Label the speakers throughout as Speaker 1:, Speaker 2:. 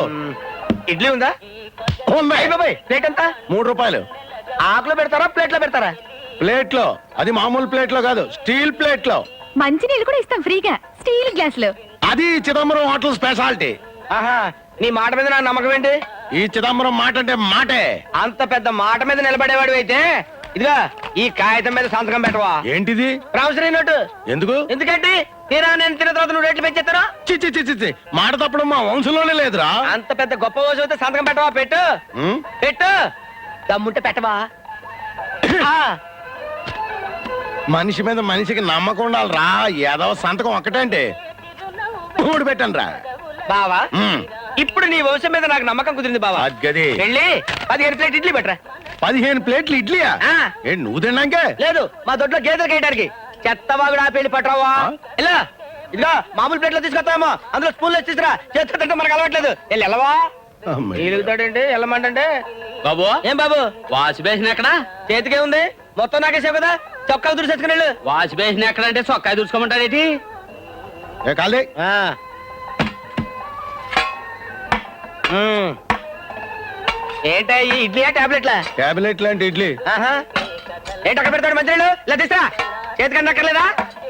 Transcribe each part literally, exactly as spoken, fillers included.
Speaker 1: ఇడ్లీ ఉందా? బాబాయ్ ప్లేట్ ఎంత?
Speaker 2: మూడు రూపాయలు.
Speaker 1: ఆకులో పెడతారా ప్లేట్ లో పెడతారా?
Speaker 2: ప్లేట్ లో. అది మామూలు ప్లేట్ లో కాదు, స్టీల్ ప్లేట్ లో.
Speaker 3: మంచి నీళ్ళు కూడా ఇస్తాం ఫ్రీగా స్టీల్ గ్లాస్ లో.
Speaker 2: అది చిదంబరం హోటల్ స్పెషాలిటీ.
Speaker 1: ఆహా, నీ మాట మీద నా నమ్మకం ఏంటి?
Speaker 2: ఈ చిదంబరం మాట అంటే మాటే.
Speaker 1: అంత పెద్ద మాట మీద నిలబడేవాడు అయితే ఇదిగా ఈ కాగితం మీద సంతకం పెట్టవా?
Speaker 2: ఏంటిది?
Speaker 1: Promissory note.
Speaker 2: ఎందుకు?
Speaker 1: ఎందుకంటే తీరా నేను తిన్న తర్వాత నువ్వు రేట్లు పెంచేస్తారా?
Speaker 2: చిచ్చి చిచ్చి మాట తప్పడం మా వంశంలోనే లేదురా.
Speaker 1: అంత పెద్ద గొప్ప రోజు అయితే సంతకం పెట్టవా? పెట్టు పెట్టు, దమ్ముంటే పెట్టవా?
Speaker 2: మనిషి మీద మనిషికి నమ్మకం ఉండాలిరా. ఏదో సంతకం ఒక్కటంటే మూడు పెట్టండి రా
Speaker 1: బావా. ఇప్పుడు నీ వంశం మీద నాకు నమ్మకం కుదిరింది బావా.
Speaker 2: గది
Speaker 1: వెళ్ళి పదిహేను ప్లేట్ ఇడ్లీ పెట్టరా.
Speaker 2: పదిహేను ప్లేట్లు ఇడ్లీయా? ఏంటి నువ్వు తిన్నాకే?
Speaker 1: లేదు, మా దొడ్లో గేదెలు కేయడానికి. చెత్తవాగుడు ఆ పెళ్లి పట్టరావా? ఇలా ఇదిగా మామూలు ప్లేట్ లో తీసుకొస్తామో అందులో స్పూన్ లో తీసుకురా. చేతితో మనకు అలవాట్లేదు. వెళ్ళి వెళ్ళవా? ఎలుగుతాడండి వెళ్ళమంటే.
Speaker 4: బాబు
Speaker 1: ఏం బాబు?
Speaker 4: వాష్ బేసిన్ ఎక్కడ?
Speaker 1: చేతికే ఉంది, మొత్తం నాకేసావు కదా. చొక్కా దురిసేసుకుని వెళ్ళు.
Speaker 4: వాష్ బేసిన్ ఎక్కడంటే చొక్కా దుర్చుకోమంటారేటి?
Speaker 1: ఏంటా ఈ ఇడ్లీయా టాబ్లెట్లా?
Speaker 2: టాబ్లెట్ లాంటి ఇడ్లీ.
Speaker 1: ఏంటి అక్కడ పెడతాడు మంత్రులు? ఇలా తీసుకురా. చేతికన్నా అక్కర్లేదా?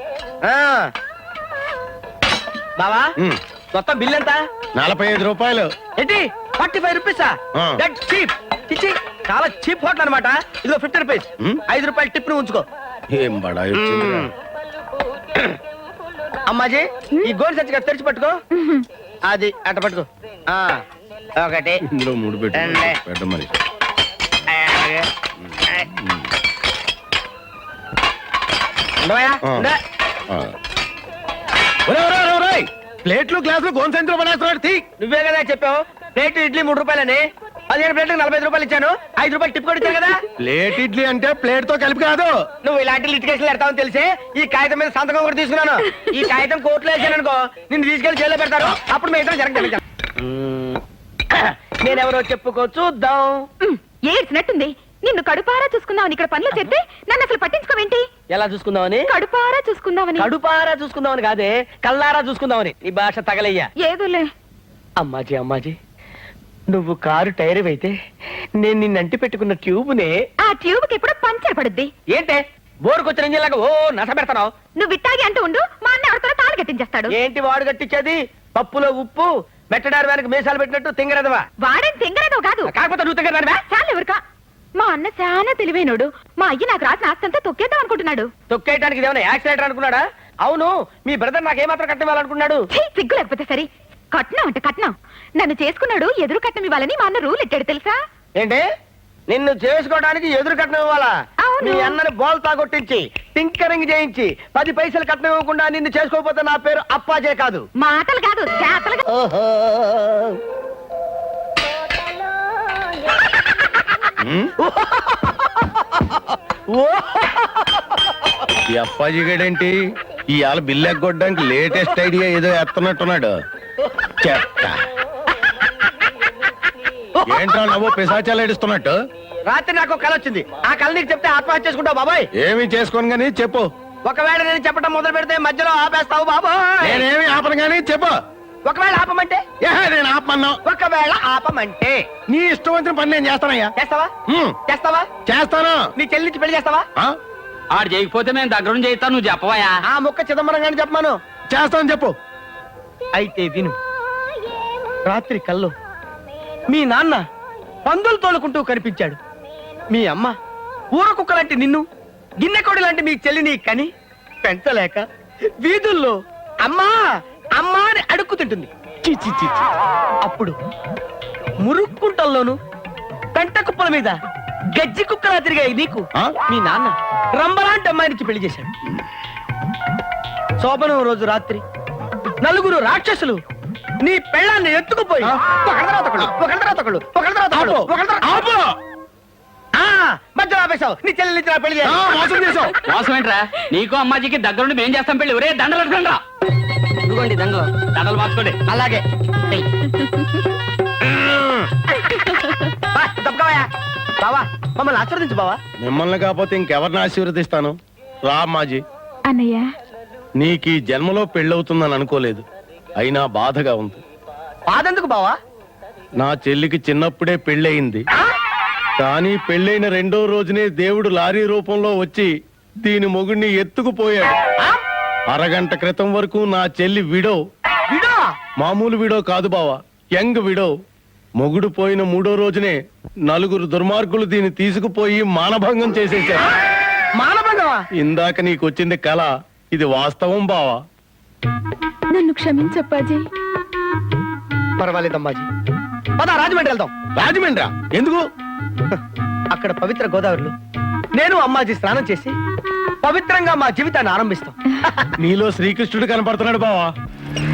Speaker 1: బావా మొత్తం బిల్ ఎంత?
Speaker 2: నలభై ఐదు రూపాయలు.
Speaker 1: ఏంటి ఫార్టీ ఫైవ్ రూపీసా? చీప్. చిచ్చి, చాలా చీప్ హోటల్ అనమాట. ఇదిగో ఫిఫ్టీ రూపీస్. ఐదు రూపాయలు టిప్ ను ఉంచుకో.
Speaker 2: ఏం బడా
Speaker 1: అమ్మాజీ ఈ గోల్ సంచి కదా తెరిచి పట్టుకో. అది అట్ట పట్టుకో. ఒకటి
Speaker 2: ఇందులో మూడు పెట్టు పెట్ట మరి. ప్లేట్లు గ్లాసులు గోన్ సంచులు పడేస్తున్నాడు.
Speaker 1: నువ్వే కదా చెప్పావు ప్లేట్ ఇడ్లీ మూడు రూపాయలని. పదిహేను ప్లేట్లకు నలభై ఐదు రూపాయలు ఇచ్చాను. ఐదు రూపాయలు టిప్ కూడా ఇచ్చాను కదా.
Speaker 2: ప్లేట్ ఇడ్లీ అంటే ప్లేట్ తో కలిపి కాదు.
Speaker 1: నువ్వు ఇలాంటి లిటికేషన్లు పెడతావని తెలిసి ఈ కాగితం మీద సంతకం కూడా తీసుకున్నాను. ఈ కాగితం కోర్టులో వేసాను అనుకో, నిన్ను తీసుకెళ్లి జైల్లో పెడతారు. అప్పుడు మిగతా జరగ. నేనెవరో చెప్పుకో చూద్దాం.
Speaker 3: ఏడ్చినట్టుంది. నిన్ను కడుపారా చూసుకుందామని ఇక్కడ పనులు చేస్తే నన్ను అసలు పట్టించుకోవేంటి?
Speaker 1: ఎలా చూసుకుందామని?
Speaker 3: కడుపారా చూసుకుందామని.
Speaker 1: కడుపారా చూసుకుందామని కాదే, కల్లారా చూసుకుందామని. ఈ భాష తగలయ్యా.
Speaker 3: ఏదోలే.
Speaker 1: అమ్మాజీ అమ్మాజీ, నువ్వు కారు టైర్ అయితే నేను నిన్ను అంటి పెట్టుకున్న ట్యూబ్నే.
Speaker 3: ఆ ట్యూబ్ కి ఎప్పుడు పంచర్ పడుద్ది.
Speaker 1: ఏంటే బోరుకొచ్చిన ఇంజిన్లాగా ఓ నస పెడతావు?
Speaker 3: నువ్వు ఇట్టాగి అంటూ ఉండు, మా అన్న ఎవరితో తాళి కట్టించేస్తాడు.
Speaker 1: ఏంటి వాడు కట్టించేది? పప్పులో ఉప్పు మెట్టడారు వెనక మీసాలు పెట్టినట్టు తింగరదవా?
Speaker 3: వాడేం తింగరదో కాదు.
Speaker 1: కాకపోతే నువ్వు తింగరదానివా?
Speaker 3: చాలు ఎవరికా. మా అన్న చాలా తెలివైనోడు. మా అయ్య నాకు రాసిన ఆస్తంతా తొక్కేద్దాం అనుకుంటున్నాడు.
Speaker 1: తొక్కేయడానికి ఏమైనా యాక్సిడెంట్ అనుకున్నాడా? అవును, మీ బ్రదర్ నాకేమాత్రం కట్టివ్వాలనుకున్నాడు?
Speaker 3: సిగ్గు లేకపోతే సరే. కట్నం అంటే కట్నం. నన్ను చేసుకున్నాడు ఎదురు కట్నం ఇవ్వాలని మా అన్న రూల్ ఎట్టాడు తెలుసా?
Speaker 1: ఏంటి నిన్ను చేసుకోవడానికి ఎదురు కట్నం ఇవ్వాలా? మీ అన్నని బోల్ తాగొట్టించి టింకరింగ్ చేయించి పది పైసలు కట్నం ఇవ్వకుండా నిన్ను చేసుకోకపోతే నా పేరు అప్పాజే కాదు.
Speaker 3: మాటలు కాదు చేతలు.
Speaker 2: ఈ అప్పాజీ గడేంటి ఇవాళ బిల్లు ఎగ్గొట్టడానికి లేటెస్ట్ ఐడియా ఏదో ఎత్తనట్టున్నాడు. చెత్త. ఏంట్రా నవ్వు పిశాచాలు ఏడుస్తున్నట్టు?
Speaker 1: రాత్రి నాకు కళ వచ్చింది. ఆ కళ నీకు చెప్తే ఆత్మహత్య చేసుకుంటావు బాబాయ్.
Speaker 2: ఏమి చేసుకోను గానీ చెప్పు.
Speaker 1: ఒకవేళ నేను చెప్పడం మొదలు పెడితే మధ్యలో ఆపేస్తావు బాబాయ్.
Speaker 2: నేనేమి ఆపను గానీ చెప్పు.
Speaker 1: ఒకవేళ ఆపమంటే?
Speaker 2: నేను ఆపమన్నా.
Speaker 1: ఒకవేళ ఆపమంటే
Speaker 2: నీ ఇష్టం వచ్చిన పని నేను చేస్తానయ్యా.
Speaker 1: చేస్తావా? చేస్తావా?
Speaker 2: చేస్తాను.
Speaker 1: నీ చెల్లించి పెళ్లి చేస్తావా?
Speaker 4: ఆడు చేయకపోతే మేము దగ్గర నుంచి చేస్తాను. నువ్వు చెప్పవయా?
Speaker 1: ఆ ముక్క చిదంబరం గాని చెప్పమాను.
Speaker 2: చేస్తాను చెప్పు.
Speaker 1: అయితే విను. రాత్రి కల్లో మీ నాన్న పందులు తోలుకుంటూ కనిపించాడు. మీ అమ్మ ఊర కుక్క లాంటి నిన్ను, గిన్నెకోడి లాంటి మీ చెల్లిని కని పెంచలేక వీధుల్లో అమ్మా అమ్మా అని అడుక్కుతుంటుంది. అప్పుడు మురుక్కుంటల్లోను పెంట కుప్పల మీద గజ్జి కుక్కలా తిరిగాయి నీకు మీ నాన్న రంబలాంటి అమ్మాయినికి పెళ్లి చేశాడు. శోభనం రోజు రాత్రి నలుగురు రాక్షసులు నీ పెళ్ళాన్ని ఎత్తుకుపోయి మధ్యలో ఆపేశావు. నీ చెల్లి నుంచి పెళ్లి చేసావు.
Speaker 4: మోసం ఏంట్రా? నీకు అమ్మాజీకి దగ్గరుండి మేం చేస్తాం పెళ్లి. ఒరే దండలు అడగండి.
Speaker 1: ఇదిగోండి దండలు.
Speaker 4: దండలు మార్చుకోండి.
Speaker 1: అలాగే బావా మమ్మల్ని ఆశీర్వదించు బావా.
Speaker 2: మిమ్మల్ని కాకపోతే ఇంకెవరిని ఆశీర్వదిస్తాను? రా అమ్మాజీ.
Speaker 3: అన్నయ్య,
Speaker 2: నీకు ఈ జన్మలో పెళ్ళవుతుందని అనుకోలేదు. అయినా బాధగా ఉంది.
Speaker 1: బాధెందుకు బావా?
Speaker 2: నా చెల్లికి చిన్నప్పుడే పెళ్ళయింది. కానీ పెళ్ళైన రెండో రోజునే దేవుడు లారీ రూపంలో వచ్చి దీని మొగుడిని ఎత్తుకుపోయాడు. అరగంట క్రితం వరకు నా చెల్లి విడో.
Speaker 1: విడో
Speaker 2: మామూలు విడో కాదు బావా, యంగ్ విడో. మొగుడు పోయిన మూడో రోజునే నలుగురు దుర్మార్గులు దీన్ని తీసుకుపోయి మానభంగం చేసేశారు.
Speaker 1: మానభంగమా?
Speaker 2: ఇందాక నీకొచ్చింది కళ, ఇది వాస్తవం బావా.
Speaker 3: నన్ను క్షమించప్పాజీ.
Speaker 1: పర్వాలేదమ్మాజీ, పద రాజమండ్రి వెళ్దాం.
Speaker 2: రాజమండ్రా? ఎందుకు?
Speaker 1: అక్కడ పవిత్ర గోదావరిలో నేను అమ్మాజీ స్నానం చేసి పవిత్రంగా మా జీవితాన్ని ఆరంభిస్తాం.
Speaker 2: నీలో శ్రీకృష్ణుడు కనపడుతున్నాడు బావా.